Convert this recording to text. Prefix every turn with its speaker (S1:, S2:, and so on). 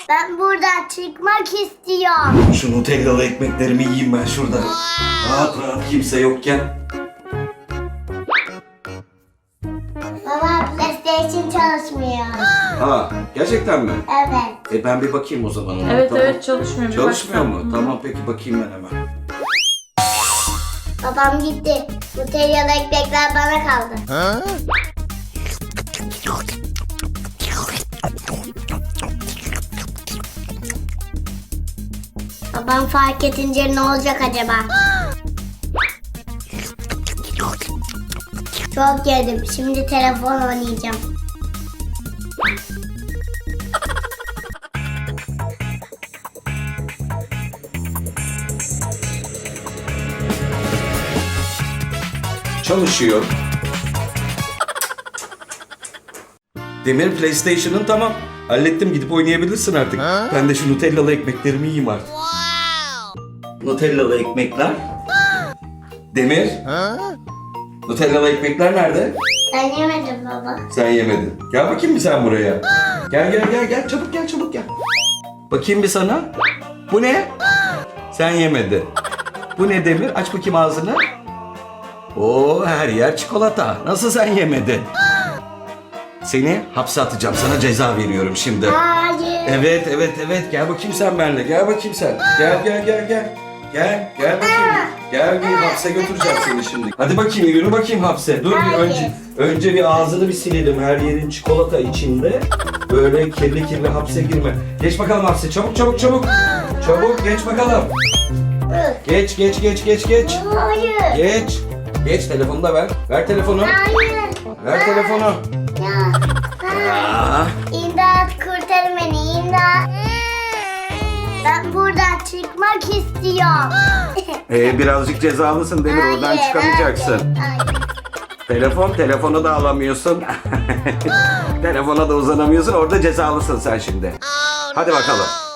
S1: Ben buradan çıkmak istiyorum.
S2: Şu Nutellalı ekmeklerimi yiyeyim ben şurada. Rahat rahat kimse yokken.
S1: Baba PlayStation çalışmıyor.
S2: Ha, gerçekten mi?
S1: Evet.
S2: Ben bir bakayım o zaman ona.
S3: Evet
S2: Tamam.
S3: evet çalışmıyor. Bir
S2: Çalışmıyor
S3: baksana.
S2: mu? Tamam peki bakayım ben hemen.
S1: Babam gitti. Nutellalı ekmekler bana kaldı. Babam fark edince ne olacak acaba? Çok yedim. Şimdi telefon oynayacağım.
S2: Çalışıyor. Demir PlayStation'ın tamam. Hallettim, gidip oynayabilirsin artık. Ben de şu Nutellalı ekmeklerimi yiyeyim artık. Nutellalı ekmekler. Demir. Nutellalı ekmekler nerede?
S1: Ben yemedim baba.
S2: Sen yemedin. Gel bakayım bir sen buraya. Gel çabuk gel. Bakayım bir sana. Bu ne? Sen yemedin. Bu ne Demir? Aç bakayım ağzını. Oo, her yer çikolata. Nasıl sen yemedin? Seni hapse atacağım. Sana ceza veriyorum şimdi.
S1: Hayır.
S2: Evet. Gel bakayım sen benimle. Gel bakayım sen. Gel. Gel bakayım. Gel bir hapse götüreceğim seni şimdi. Hadi bakayım yürü bakayım hapse. Dur bir
S1: Hayır.
S2: önce bir ağzını bir silelim. Her yerin çikolata içinde. Böyle kirli hapse girme. Geç bakalım hapse. Çabuk. Çabuk geç bakalım. Geç.
S1: Hayır.
S2: Geç telefonu da ver. Ver telefonu.
S1: Hayır.
S2: Ver telefonu. Aa,
S1: İmdat kurtarın beni imdat. Ben buradan çıkmak istiyorum.
S2: birazcık cezalısın Demir. Oradan
S1: Hayır,
S2: çıkamayacaksın.
S1: hayır.
S2: Telefonu da alamıyorsun. Telefona da uzanamıyorsun. Orada cezalısın sen şimdi. Hadi bakalım.